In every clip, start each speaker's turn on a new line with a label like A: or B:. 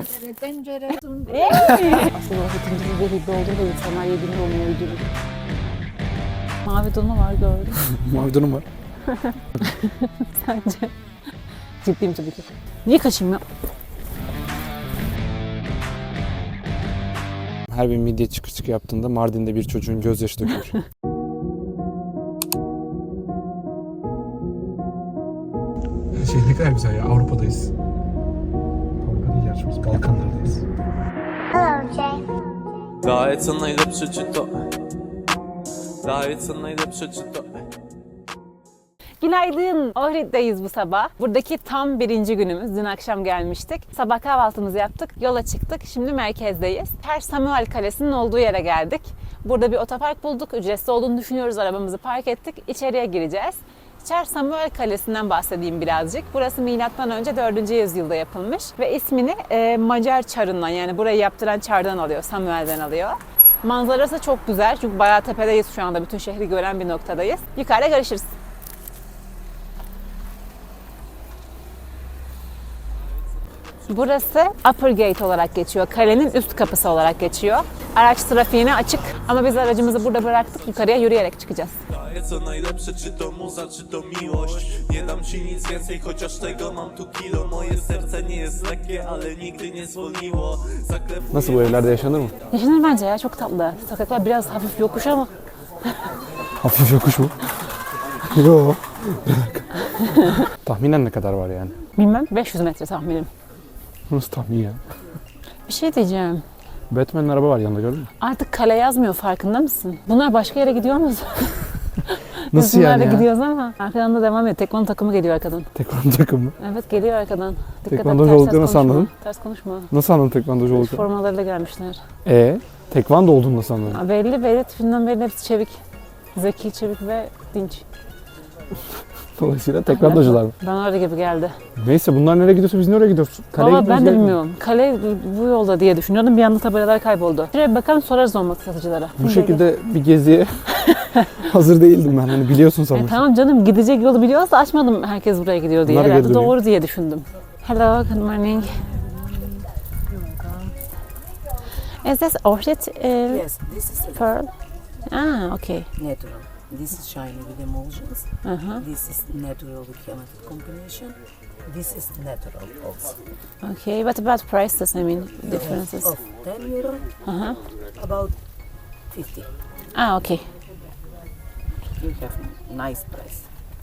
A: Tencere.
B: Aslında vakitin bir hibbe olduğunda insanlar yediğinde olmuyor uydurur. Mavi donu var gördüm.
C: Mavi donum var.
B: Sence? Ciddiyim tabii ki. Niye kaçayım ya?
C: Her bir midye çıkır çıkır yaptığında Mardin'de bir çocuğun gözyaşı dökülür. Ne kadar güzel ya. Avrupa'dayız. Avrupa değil gerçi biz Balkanlardayız.
D: Daje najlepsze czy to? Daje najlepsze czy to?
B: Günaydın. Ohrid'deyiz bu sabah. Buradaki tam birinci günümüz. Dün akşam gelmiştik. Sabah kahvaltımızı yaptık. Yola çıktık. Şimdi merkezdeyiz. Her Samuel Kalesi'nin olduğu yere geldik. Burada bir otopark bulduk. Ücretsiz olduğunu düşünüyoruz. Arabamızı park ettik. İçeriye gireceğiz. Çer Samuel Kalesi'nden bahsedeyim birazcık. Burası M.Ö. 4. yüzyılda yapılmış ve ismini Macar çarından, yani burayı yaptıran çardan alıyor, Samuel'den alıyor. Manzarası çok güzel çünkü bayağı tepedeyiz şu anda, bütün şehri gören bir noktadayız. Yukarıda görüşürüz. Burası Upper Gate olarak geçiyor. Kalenin üst kapısı olarak geçiyor. Araç trafiğine açık ama biz aracımızı burada bıraktık. Yukarıya yürüyerek çıkacağız.
D: Daje co najlepsze czy to muza czy to miłość. Nie dam ci nic więcej chociaż tego mam tu kilo. Moje serce nie jest lekkie ale nigdy nie zwolniło.
C: Nasıl, bu evlerde yaşanır mı?
B: Yaşanır bence ya, çok tatlı. Sokaklar biraz hafif yokuş ama
C: Hafif yokuş mu? Yo. Tahminen ne kadar var yani?
B: bilmem 500 metre tahminim.
C: Nasıl tahmin ya?
B: Bir şey diyeceğim.
C: Batman'in araba var yanında, gördün mü?
B: Artık kale yazmıyor, farkında mısın? Bunlar başka yere gidiyor mu?
C: Nasıl
B: Biz
C: yani
B: bunlarla
C: ya?
B: gidiyoruz ama arkadan da devam ediyor. Tekvando takımı geliyor arkadan.
C: Tekvando takımı.
B: Evet, geliyor arkadan. Dikkat et,
C: Tekvandocu
B: ters
C: olduklarını nasıl
B: konuşma.
C: anladın?
B: Ters konuşma.
C: Nasıl anladın tekvandocu olduklarını?
B: Formalarıyla gelmişler.
C: Tekvando olduğunu nasıl anladın?
B: Ha, belli tipinden belli, hepsi çevik. Zeki, çevik ve dinç.
C: Dolayısıyla tekvandocular mı?
B: Bana öyle gibi geldi.
C: Neyse, bunlar nereye gidiyorsa biz nereye gidiyoruz? Kaleye
B: Valla
C: gitmemiz
B: ben de
C: gerekmiyor.
B: bilmiyorum. Kale bu yolda diye düşünüyordum. Bir anda tabelalar kayboldu. Şuraya bir bakalım, sorarız olmak satıcılara.
C: Bu şekilde bir geziye hazır değildim ben. Hani biliyorsun sanmıştım.
B: Tamam canım, gidecek yolu biliyoruz da açmadım herkes buraya gidiyor diye.
C: Bunlar
B: Herhalde
C: geri dönüyor.
B: doğru diye düşündüm. Hello, good morning. Is this orchid
E: Yes, this is
B: pearl? Ah, okay.
E: natural. This is shiny with emulsions.
B: Uh-huh.
E: This is natural with chemical combination. This is natural also.
B: Okay, what about prices? I mean, differences.
E: Of 10 euro,
B: Uh-huh.
E: about 50.
B: Ah, okay.
E: You have nice price.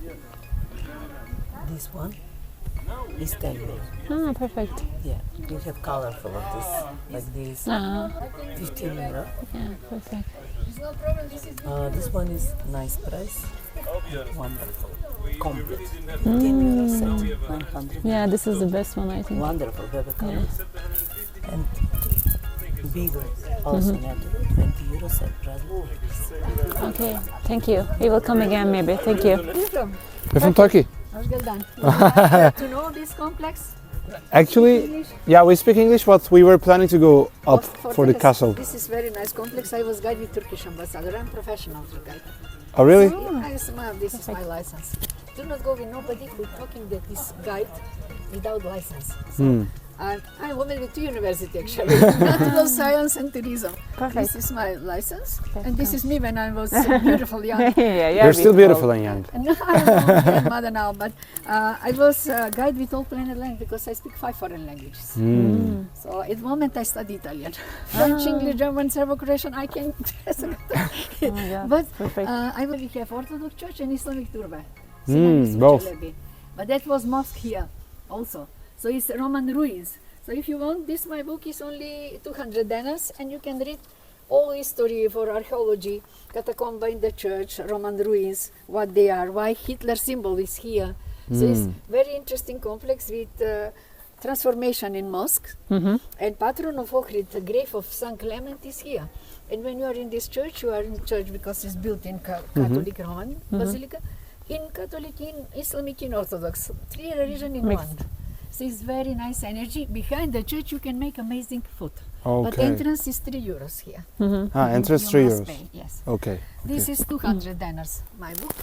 E: This one is 10 euro.
B: Ah, perfect.
E: Yeah, you have colorful of this, like this,
B: Ah,
E: 15 euro.
B: yeah, perfect.
E: This one is nice price. Wonderful. Complete. 10 euro set, 900.
B: Yeah, this is the best one, I think.
E: Wonderful baby color. And bigger, also natural, 20 euro set price.
B: Okay, thank you. We will come again maybe. Thank you.
C: We're from Turkey.
A: Hoş geldin. To know this complex?
C: Actually, yeah, we speak English, but we were planning to go up for the castle.
A: This is very nice complex. I was guide with Turkish ambassador. I'm professional guide.
C: Oh, really?
A: This is my license. Do not go with nobody who talking that this guide without license. So, I went with university actually, natural science and tourism.
B: Perfect.
A: This is my license, and this is me when I was beautiful young.
B: Yeah,
C: You're still beautiful and young.
A: And I'm a grandmother now, but I was guide with all planet language because I speak 5 foreign languages. So at the moment I study Italian, French, English, German, Serbo-Croatian. I can.
B: Oh my God,
A: But
B: perfect.
A: I will have Orthodox Church and Islamic Turba.
C: both.
A: But that was mosque here also. So it's Roman ruins. So if you want, this my book is only 200 dinars and you can read all history for archaeology, catacomb in the church, Roman ruins, what they are, why Hitler symbol is here. So it's very interesting complex with transformation in mosque. And patron of Ohrid, the grave of Saint Clement is here. And when you are in this church, you are in church because it's built in Catholic Roman Basilica, in Catholic, in Islamic, in Orthodox, 3 religions in
B: Mixed.
A: one. So it's very nice energy. Behind the church you can make amazing food. But
C: Okay.
A: entrance is 3 euros here.
C: Entrance
A: You
C: 3
A: must
C: euros.
A: pay, yes.
C: Okay.
A: This is 200 dinars, my book.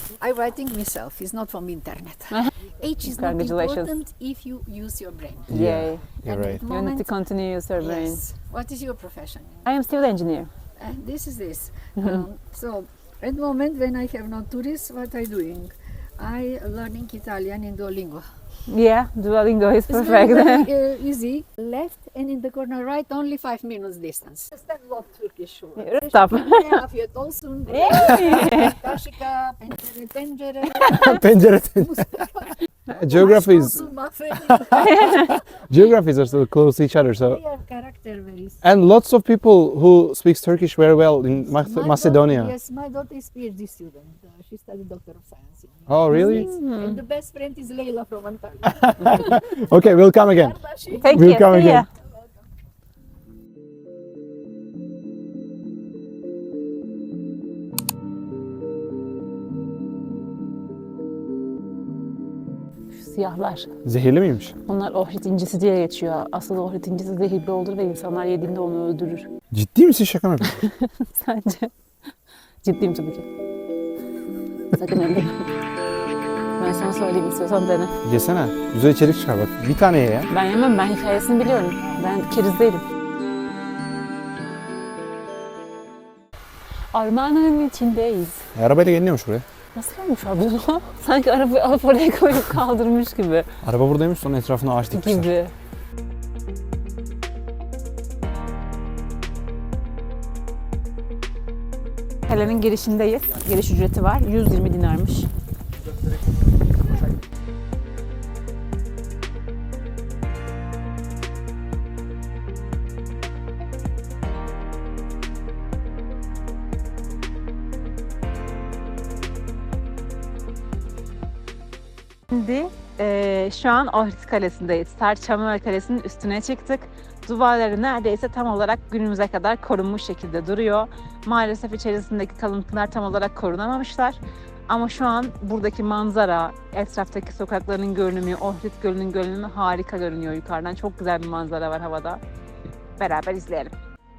A: I writing myself. It's not from internet. Age is not
B: Congratulations.
A: important if you use your brain.
B: Yay.
C: You're
A: At
C: right.
A: that
B: You need
A: moment,
B: to continue use your brain.
A: yes. What is your profession?
B: I am civil engineer.
A: And this is this. So at the moment when I have no tourists, what I doing? I learning Italian in Duolingo.
B: Yeah, Duolingo is
A: It's
B: perfect.
A: very easy. Left and in the corner right, only 5 minutes distance. That's not Turkish word.
B: Stop.
A: Afiyet olsun. Kaşika, pencere, tencere.
C: Pencere. Geography is
A: Olsun, mahvedin.
C: geographies are so close to each other. So
A: They are character very.
C: and lots of people who speaks Turkish very well in
A: My
C: Macedonia.
A: Daughter, yes, my daughter is PhD student. She studied Doctor of Science. In
C: Oh, really?
A: And the best friend is Leila from Antalya.
C: Okay, we'll come again.
B: Thank
C: We'll
B: you.
C: come
B: See ya.
C: again.
B: Şu siyahlar.
C: Zehirli miymiş?
B: Onlar ohrit incisi diye geçiyor. Asıl ohrit incisi zehirli olur ve insanlar yediğinde onu öldürür.
C: Ciddi misin, şaka mı yapıyorsun?
B: Sence? Ciddiyim tabii ki. Sakın elleme. Ben sana söyleyeyim, istiyorsan dene.
C: Yesene. Güzel içerik çıkar bak. Bir tane ye ya.
B: Ben yemem, ben hikayesini biliyorum. Ben keriz değilim. Ormanın içindeyiz.
C: Arabayla geliniyormuş buraya.
B: Nasıl gelmiş abi o? Sanki arabayı alıp oraya koyup kaldırmış gibi.
C: Araba buradaymış, sonra etrafına ağaç dikmişler.
B: Gibi. Kalenin girişindeyiz. Giriş ücreti var. 120 dinarmış. Şimdi şu an Ohrid Kalesi'ndeyiz. Sarçamöl Kalesi'nin üstüne çıktık. Duvarları neredeyse tam olarak günümüze kadar korunmuş şekilde duruyor. Maalesef içerisindeki kalıntılar tam olarak korunamamışlar. Ama şu an buradaki manzara, etraftaki sokakların görünümü, Ohrid Gölü'nün görünümü harika görünüyor yukarıdan. Çok güzel bir manzara var havada. Beraber izleyelim.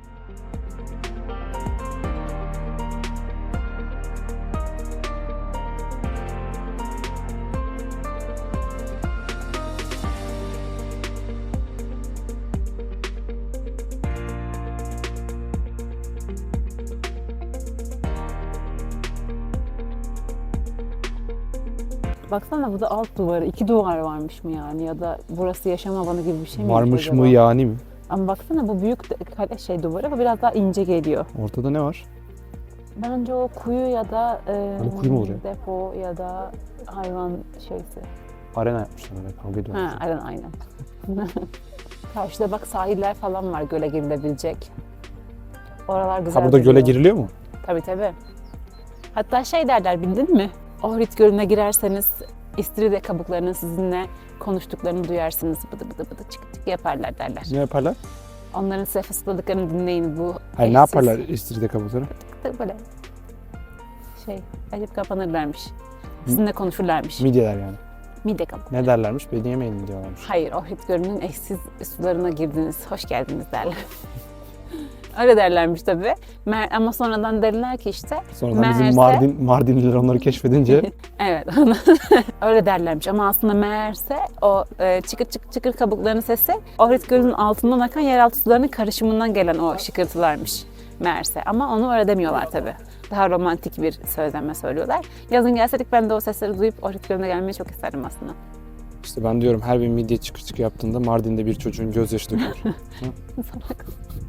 B: Baksana bu da alt duvarı. 2 duvar varmış mı yani? Ya da burası yaşam alanı gibi bir şey mi?
C: Varmış
B: acaba?
C: mı yani mi?
B: Ama baksana bu büyük kale duvarı bu biraz daha ince geliyor.
C: Ortada ne var?
B: Bence o kuyu ya da
C: Hani kuyu mu olur ya?
B: depo ya da hayvan şeysi.
C: Arena yapmışlar öyle, kavga ediyorlar.
B: Ha, aynen. Karşıda bak sahiller falan var göle girilebilecek. Oralar güzel.
C: Ha, burada göle
B: duruyor.
C: giriliyor mu?
B: Tabii tabii. Hatta şey derler bildin mi? Ohrid Gölü'ne girerseniz istiridye kabuklarının sizinle konuştuklarını duyarsınız. Bıdı bıdı bıdı çık çık yaparlar derler.
C: Ne yaparlar?
B: Onların size fısıldadıklarını dinleyin bu.
C: Hayır, ne yaparlar istiridye kabukları?
B: Böyle şey açıp kapanırlarmış. Sizinle konuşurlarmış.
C: Midyeler yani.
B: Mide kabuk.
C: Ne derlermiş? Beni yemeyin diyorlarmış.
B: Hayır, Ohrid Gölü'nün eşsiz sularına girdiniz, hoş geldiniz derler. Öyle derlermiş tabii. Ama sonradan derler ki işte.
C: Sonradan bizim Mardinliler onları keşfedince
B: Evet, öyle derlermiş ama aslında meğerse o çıkır çıkır çıkır kabuklarının sesi Ohrid Gölü'nün altından akan yeraltı sularının karışımından gelen o şıkırtılarmış meğerse. Ama onu öyle demiyorlar tabii. Daha romantik bir sözlenme söylüyorlar. Yazın gelseydik ben de o sesleri duyup Ohrid Gölü'ne gelmeyi çok isterdim aslında.
C: işte ben diyorum her bir midye çıkır çıkır yaptığında Mardin'de bir çocuğun gözyaşı dökülür.
B: Salak.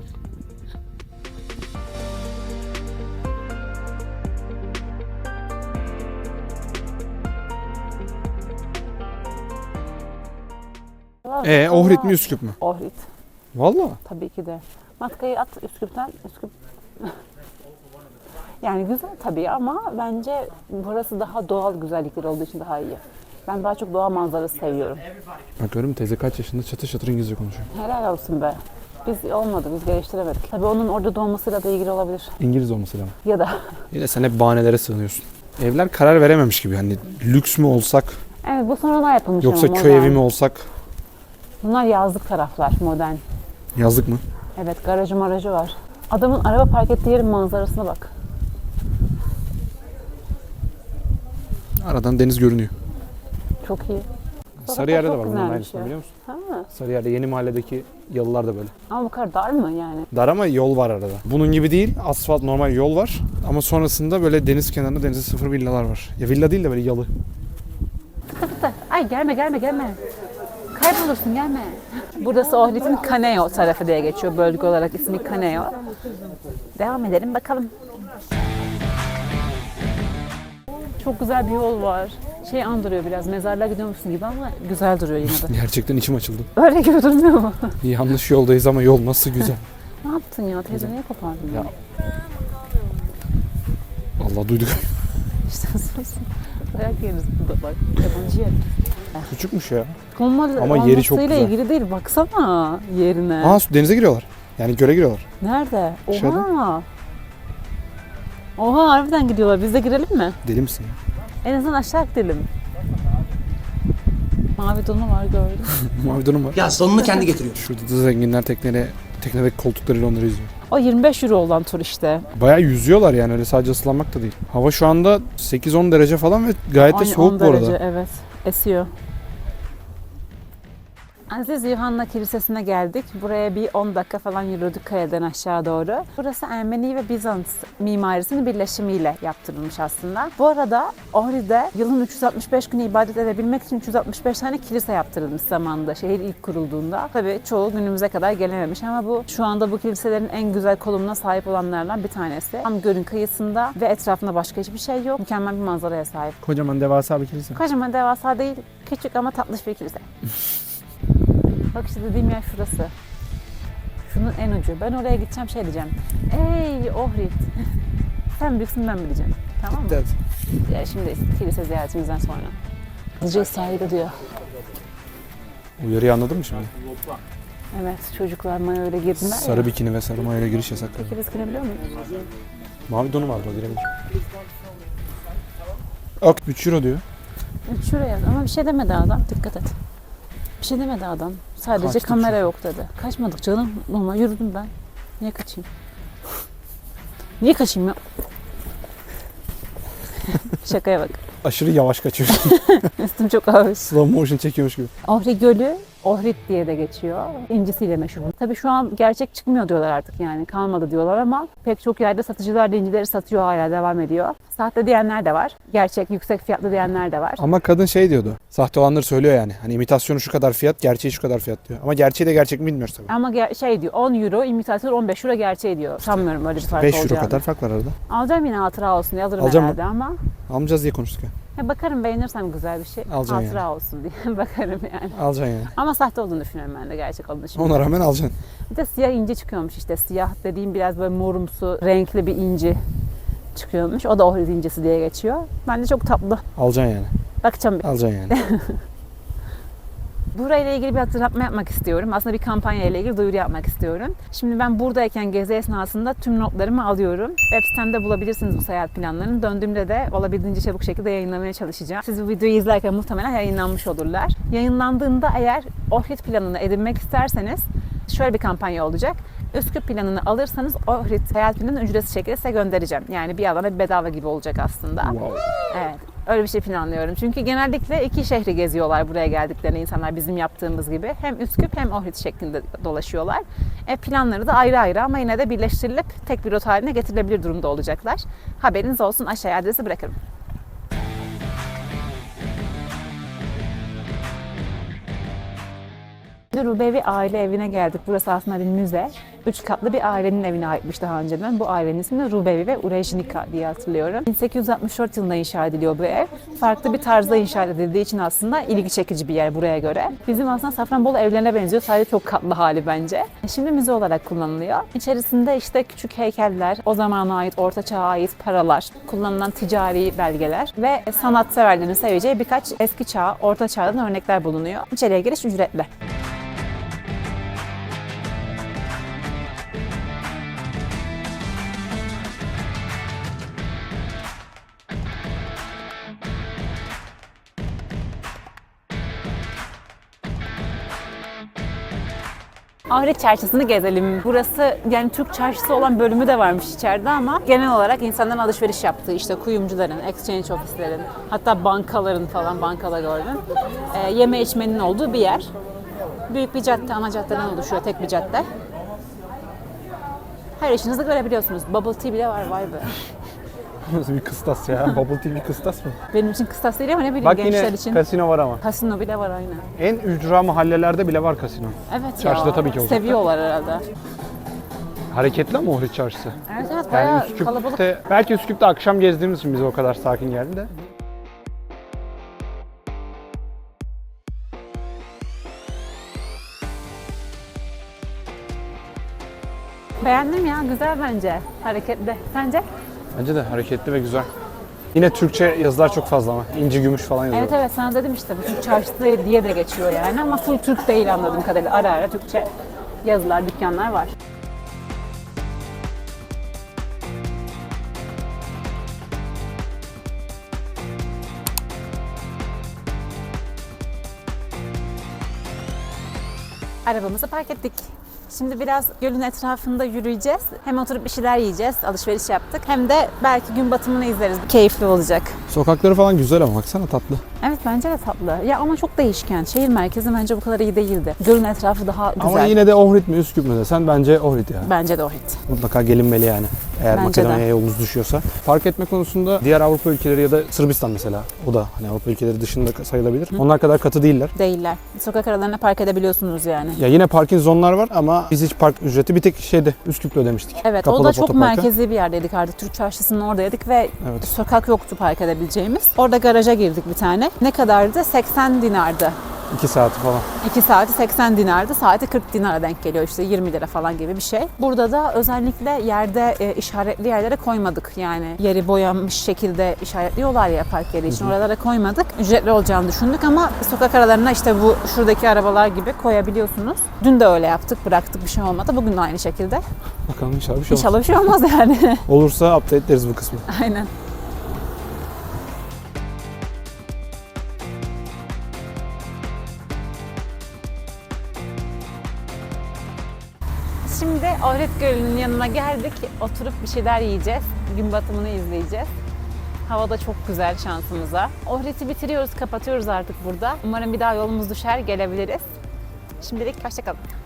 C: Ohrid mi Üsküp mü?
B: Ohrid.
C: Valla.
B: Tabii ki de. Matkayı at Üsküp'ten. Üsküp. Yani güzel tabii ama bence burası daha doğal güzellikleri olduğu için daha iyi. Ben daha çok doğa manzarası seviyorum.
C: Bak görüyor musun, teyze kaç yaşında çatır çatır İngilizce konuşuyor.
B: Helal olsun be. Biz olmadı, biz geliştiremedik. Tabii onun orada doğmasıyla da ilgili olabilir.
C: İngiliz olması lazım.
B: Ya da
C: Yine sen hep bahanelere sığınıyorsun. Evler karar verememiş gibi. Hani lüks mü olsak
B: evet bu sonradan yapılmış
C: yoksa
B: ama
C: köy
B: modern.
C: evi mi olsak?
B: Bunlar yazlık taraflar, modern.
C: Yazlık mı?
B: Evet, garajı marajı var. Adamın araba park ettiği yerin manzarasına bak.
C: Aradan deniz görünüyor.
B: Çok iyi.
C: Sarıyer'de de
B: çok
C: var bunun
B: güzelmiş
C: aynısı
B: ya.
C: biliyor musun?
B: Ha.
C: Sarıyer'de yeni mahalledeki yalılar da böyle.
B: Ama bu kadar dar mı yani?
C: Dar ama yol var arada. Bunun gibi değil. Asfalt normal yol var. Ama sonrasında böyle deniz kenarında denize sıfır villalar var. Ya villa değil de böyle yalı.
B: Ay gelme. Kaybolursun gelme. Burası Ohrid'in Kaneo tarafı diye geçiyor. Bölge olarak ismi Kaneo. Devam edelim bakalım. Çok güzel bir yol var. Şey andırıyor biraz, mezarlığa gidiyormuşsun gibi ama güzel duruyor yine de.
C: Gerçekten içim açıldı.
B: Öyle gibi durmuyor mu?
C: Yanlış yoldayız ama yol nasıl güzel.
B: Ne yaptın ya? Teyze niye kopardın?
C: Ya. Allah duyduk.
B: İşte sus. Dayak yeriz burada bak. Yabancı yer.
C: Küçükmüş ya.
B: Ama
C: yeri çok güzel.
B: ilgili değil. Baksana yerine.
C: Aa denize giriyorlar. Yani göle giriyorlar.
B: Nerede?
C: Aşağıda.
B: Oha. Oha harbiden gidiyorlar. Biz de girelim mi?
C: Deli misin ya?
B: En azından aşağı gidelim. Mavi donu var gördüm.
C: Mavi donum var.
F: Ya sonunu kendi getiriyor.
C: Şurada da zenginler teknedeki koltuklarıyla onları izliyor.
B: O 25 euro olan tur işte.
C: Bayağı yüzüyorlar yani öyle sadece ıslanmak da değil. Hava şu anda 8-10 derece falan ve gayet de
B: Ay,
C: soğuk
B: 10
C: bu arada.
B: derece, evet. Esiyor. Aziz Yuhanna Kilisesi'ne geldik. Buraya bir 10 dakika falan yürüdük kaya'dan aşağı doğru. Burası Ermeni ve Bizans mimarisinin birleşimiyle yaptırılmış aslında. Bu arada Ohrid'de yılın 365 günü ibadet edebilmek için 365 tane kilise yaptırılmış zamanında, şehir ilk kurulduğunda. Tabii çoğu günümüze kadar gelememiş ama bu şu anda bu kiliselerin en güzel konumuna sahip olanlardan bir tanesi. Tam gölün kıyısında ve etrafında başka hiçbir şey yok. Mükemmel bir manzaraya sahip.
C: Kocaman devasa bir kilise.
B: Kocaman devasa değil, küçük ama tatlış bir kilise. Bak işte dediğim yer şurası. Şunun en ucu. Ben oraya gideceğim şey diyeceğim. Ey Ohrid. Sen büyüksün ben bileceğim. Tamam mı?
C: Evet.
B: Ya şimdi kilise ziyaretimizden sonra. Hızlıca sahilde diyor.
C: Uyarıyı anladın mı şimdi?
B: Evet çocuklar mayo öyle girdiler
C: Sarı
B: ya.
C: bikini ve sarı mayoyla giriş yasak.
B: Peki biz girebiliyor muyuz?
C: Mavi donu vardı o girebilir. Ok 3 euro diyor.
B: Şuraya ama bir şey demedi adam. Dikkat et. Bir şey demedi adam. Sadece
C: Kaçtık
B: kamera
C: çünkü.
B: yok dedi. Kaçmadık canım. Normal yürüdüm ben. Niye kaçayım? Niye kaçayım ya? Şakaya bak.
C: Aşırı yavaş kaçıyor.
B: Üstüm çok ağır.
C: Slow motion çekiyormuş gibi.
B: Ohrid Gölü, Ohrid diye de geçiyor. İncisiyle meşhur. Tabii şu an gerçek çıkmıyor diyorlar artık yani. Kalmadı diyorlar ama pek çok yerde satıcılar da incileri satıyor hala devam ediyor. Sahte diyenler de var. Gerçek, yüksek fiyatlı diyenler de var.
C: Ama kadın şey diyordu. Sahte olanları söylüyor yani. Hani imitasyonu şu kadar fiyat, gerçeği şu kadar fiyat diyor. Ama gerçeği de gerçek mi bilmiyoruz tabii.
B: Ama şey diyor 10 euro imitasyon 15 euro gerçeği diyor. Sanmıyorum öyle bir fark
C: 5 euro
B: olacağını.
C: kadar fark var arada.
B: Alacağım yine hatıra olsun diye alırım
C: Alacağım
B: herhalde ama.
C: Almayacağız diye konuştuk ya.
B: Bakarım beğenirsem güzel bir şey.
C: Alacaksın
B: hatıra olsun diye bakarım yani.
C: Alacaksın yani.
B: Ama sahte olduğunu düşünüyorum ben de gerçek olduğunu düşünüyorum.
C: Ona rağmen alacaksın.
B: Bir de siyah inci çıkıyormuş işte. Siyah dediğim biraz böyle morumsu, renkli bir inci çıkıyormuş. O da Ohrid incisi diye geçiyor. Bence çok tatlı.
C: Alacaksın yani.
B: Bakacağım bir.
C: Alacaksın yani.
B: Burayla ilgili bir hatırlatma yapmak istiyorum. Aslında bir kampanya ile ilgili duyuru yapmak istiyorum. Şimdi ben buradayken gezi esnasında tüm notlarımı alıyorum. Web sitemde bulabilirsiniz bu seyahat planlarını. Döndüğümde de olabildiğince çabuk şekilde yayınlamaya çalışacağım. Siz bu videoyu izlerken muhtemelen yayınlanmış olurlar. Yayınlandığında eğer Ohrid planını edinmek isterseniz şöyle bir kampanya olacak. Üsküp planını alırsanız Ohrid seyahat planını ücretsiz şekilde size göndereceğim. Yani bir alana bir bedava gibi olacak aslında.
C: Wow.
B: Evet. Öyle bir şey planlıyorum. Çünkü genellikle iki şehri geziyorlar buraya geldiklerinde insanlar bizim yaptığımız gibi. Hem Üsküp hem Ohrid şeklinde dolaşıyorlar. Planları da ayrı ayrı ama yine de birleştirilip tek bir rota haline getirilebilir durumda olacaklar. Haberiniz olsun, aşağıya adresi bırakırım. Rubevi aile evine geldik. Burası aslında bir müze. 3 katlı bir ailenin evine aitmiş daha önceden. Bu ailenin ismi Rubevi ve Urejnika diye hatırlıyorum. 1864 yılında inşa ediliyor bu ev. Farklı bir tarzda inşa edildiği için aslında ilgi çekici bir yer buraya göre. Bizim aslında Safranbolu evlerine benziyor. Sadece çok katlı hali bence. Şimdi müze olarak kullanılıyor. İçerisinde işte küçük heykeller, o zamana ait, orta çağa ait paralar, kullanılan ticari belgeler ve sanatseverlerin seveceği birkaç eski çağ, orta çağdan örnekler bulunuyor. İçeriye giriş ücretli. Ahret Çarşısı'nı gezelim. Burası yani Türk çarşısı olan bölümü de varmış içeride ama genel olarak insanların alışveriş yaptığı, işte kuyumcuların, exchange ofislerin, hatta bankaların falan, bankada gördüm. Yeme içmenin olduğu bir yer. Büyük bir cadde, ana caddeden oluşuyor, tek bir cadde. Her işinizi görebiliyorsunuz. Bubble tea bile var, vay be.
C: Nasıl bir kıstas ya? Bubble tea bir kıstas mı?
B: Benim için kıstas değil ama ne bileyim
C: Bak
B: gençler
C: yine
B: için.
C: kasino var ama.
B: Kasino bile var aynen.
C: En ücra mahallelerde bile var kasino.
B: Evet
C: Çarşıda
B: ya.
C: tabii ki olacak.
B: Seviyorlar herhalde.
C: Hareketli ama Ohrid Çarşısı.
B: Evet evet
C: Yani
B: bayağı
C: Üsküp'te,
B: kalabalık.
C: belki Üsküp'te akşam gezdiğimiz için bize o kadar sakin geldi de.
B: Beğendim ya, güzel bence. Hareketli. Sence?
C: Bence de hareketli ve güzel. Yine Türkçe yazılar çok fazla ama. İnci gümüş falan yazıyor.
B: Evet evet, sana dedim işte bu Türk çarşısı diye de geçiyor yani ama full Türk değil anladığım kadarıyla. Ara ara Türkçe yazılar, dükkanlar var. Arabamızı park ettik. Şimdi biraz gölün etrafında yürüyeceğiz. Hem oturup bir şeyler yiyeceğiz, alışveriş yaptık. Hem de belki gün batımını izleriz. Keyifli olacak.
C: Sokakları falan güzel ama baksana tatlı.
B: Evet bence de tatlı. Ya ama çok değişken. Şehir merkezi bence bu kadar iyi değildi. Gölün etrafı daha güzel.
C: Ama yine de Ohrid mi Üsküp mü desen bence Ohrid ya.
B: Bence de Ohrid.
C: Mutlaka gelinmeli yani. Eğer
B: Bence de.
C: Makedonya'ya yolunuz düşüyorsa. Park etme konusunda diğer Avrupa ülkeleri ya da Sırbistan mesela. O da hani Avrupa ülkeleri dışında sayılabilir. Onlar kadar katı değiller.
B: Değiller. Sokak aralarına park edebiliyorsunuz yani.
C: Ya yine parking zonlar var ama biz hiç park ücreti bir tek şeyde Üsküp'te ödemiştik.
B: Evet
C: Kapalı
B: o da çok
C: otoparka.
B: merkezi bir yerdeydik artık. Türk çarşısının oradaydık ve
C: Evet.
B: sokak yoktu park edebileceğimiz. Orada garaja girdik bir tane. Ne kadardı? 80 dinardı.
C: 2 saati falan.
B: 2 saati 80 dinardı. Saati 40 dinara denk geliyor işte 20 lira falan gibi bir şey. Burada da özellikle yerde işaretli yerlere koymadık. Yani yeri boyanmış şekilde işaretliyorlar ya park yeri için. Oralara koymadık. Ücretli olacağını düşündük ama sokak aralarına işte bu şuradaki arabalar gibi koyabiliyorsunuz. Dün de öyle yaptık. Bıraktık, bir şey olmadı. Bugün de aynı şekilde.
C: Bakalım inşallah bir şey olmaz.
B: İnşallah bir şey olmaz yani.
C: Olursa update ederiz bu kısmı.
B: Aynen. Şimdi Ohrid Gölü'nün yanına geldik. Oturup bir şeyler yiyeceğiz. Gün batımını izleyeceğiz. Hava da çok güzel şansımıza. Ohrid'i bitiriyoruz, kapatıyoruz artık burada. Umarım bir daha yolumuz düşer, gelebiliriz. Şimdilik hoşça kalın.